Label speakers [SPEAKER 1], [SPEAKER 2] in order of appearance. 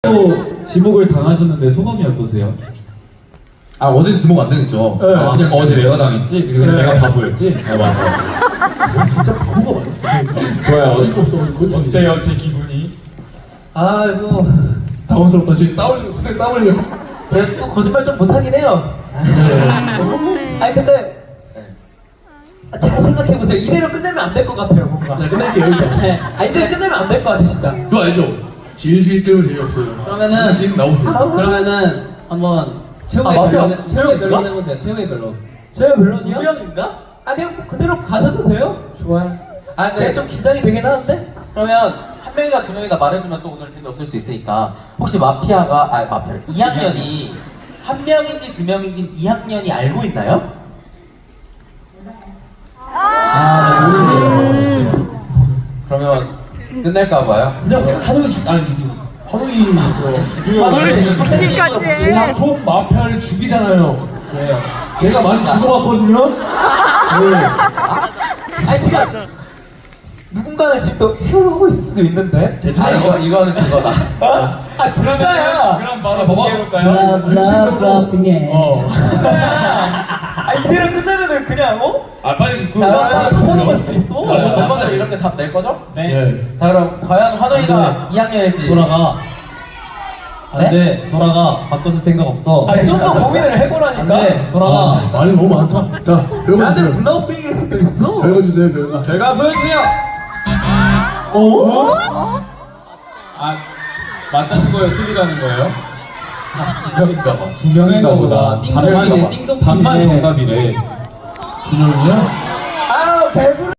[SPEAKER 1] 또 지목을 당하셨는데 소감이 어떠세요?
[SPEAKER 2] 아 어제는 지목 안 당했죠.
[SPEAKER 1] 네. 그냥 어제 내가 당했지? 그냥 내가 바보였지? 아 맞아.
[SPEAKER 3] 진짜 바보가 맞았어.
[SPEAKER 1] 좋아요.
[SPEAKER 3] 어이가 없어.
[SPEAKER 1] 어때요 제 기분이?
[SPEAKER 3] 아이고 당황스럽다. 지금 땀 흘려.
[SPEAKER 4] 제가 또 거짓말 좀 못하긴 해요. 아니 근데 잘 생각해보세요. 이대로 끝내면 안 될 것 같아요 뭔가.
[SPEAKER 3] 나 끝낼게 여기까지.
[SPEAKER 4] 네. 아 이대로 끝내면 안 될 것 같아 진짜.
[SPEAKER 3] 그거 알죠? 질질 끌면 재미없어요.
[SPEAKER 4] 그러면은
[SPEAKER 3] 지금 나오세요.
[SPEAKER 4] 그러면은 한번 최후의 변론 최후의 변론 해보세요. 최후의 변론. 최후의 변론이요? 두 명인가? 아 그냥 그대로 가셔도 돼요. 좋아요. 아 근데 제가 좀 긴장이 되긴 하는데.
[SPEAKER 5] 그러면 한 명이나 두 명이나 말해주면 또 오늘 재미없을 수 있으니까 혹시 마피아를 2학년이 한 명인지 두 명인지 2학년이 알고 있나요?
[SPEAKER 4] 아 모르네요.
[SPEAKER 5] 그러면 끝낼까봐요.
[SPEAKER 3] 그냥 한우이 죽이고. 한우이
[SPEAKER 6] 죽기까지 해.
[SPEAKER 3] 보통 마피아를 죽이잖아요.
[SPEAKER 4] 그래요.
[SPEAKER 3] 제가 많이 죽어봤거든요. 네.
[SPEAKER 4] 아니 지금 누군가는 지금 또 휴 하고 있을 수도 있는데.
[SPEAKER 3] 괜찮아요.
[SPEAKER 5] 이거는 그거다.
[SPEAKER 4] 아 진짜야.
[SPEAKER 1] 그럼 바로
[SPEAKER 3] 봐봐.
[SPEAKER 1] 해볼까요?
[SPEAKER 4] 아 이대로 끝내면은 그냥 어?
[SPEAKER 3] 아 빨리
[SPEAKER 4] 자, 터는 걸 수도 있어.
[SPEAKER 5] 멤버들 이렇게 답 낼 거죠?
[SPEAKER 3] 네.
[SPEAKER 5] 자 그럼 과연 환우이가 2학년일지
[SPEAKER 7] 돌아가.
[SPEAKER 4] 네?
[SPEAKER 7] 안돼 돌아가. 바꿔줄 생각 없어.
[SPEAKER 4] 아니 좀 더 고민을 해보라니까.
[SPEAKER 7] 안돼 돌아가.
[SPEAKER 3] 아, 말이 너무 많다. 자, 별거
[SPEAKER 4] 나는
[SPEAKER 3] 주세요.
[SPEAKER 4] 블러핑일 수도 있어.
[SPEAKER 3] 별거 주세요, 별거.
[SPEAKER 1] 결과 보여주세요. 아 맞다는 거예요? 틀리다는 거예요?
[SPEAKER 5] 두 명인가 봐.
[SPEAKER 1] 두 명인가 보다.
[SPEAKER 7] 띵동이네,
[SPEAKER 1] 반만
[SPEAKER 7] 띵동이네.
[SPEAKER 1] 정답이래.
[SPEAKER 3] 두 명이요?
[SPEAKER 4] 아우 배부르.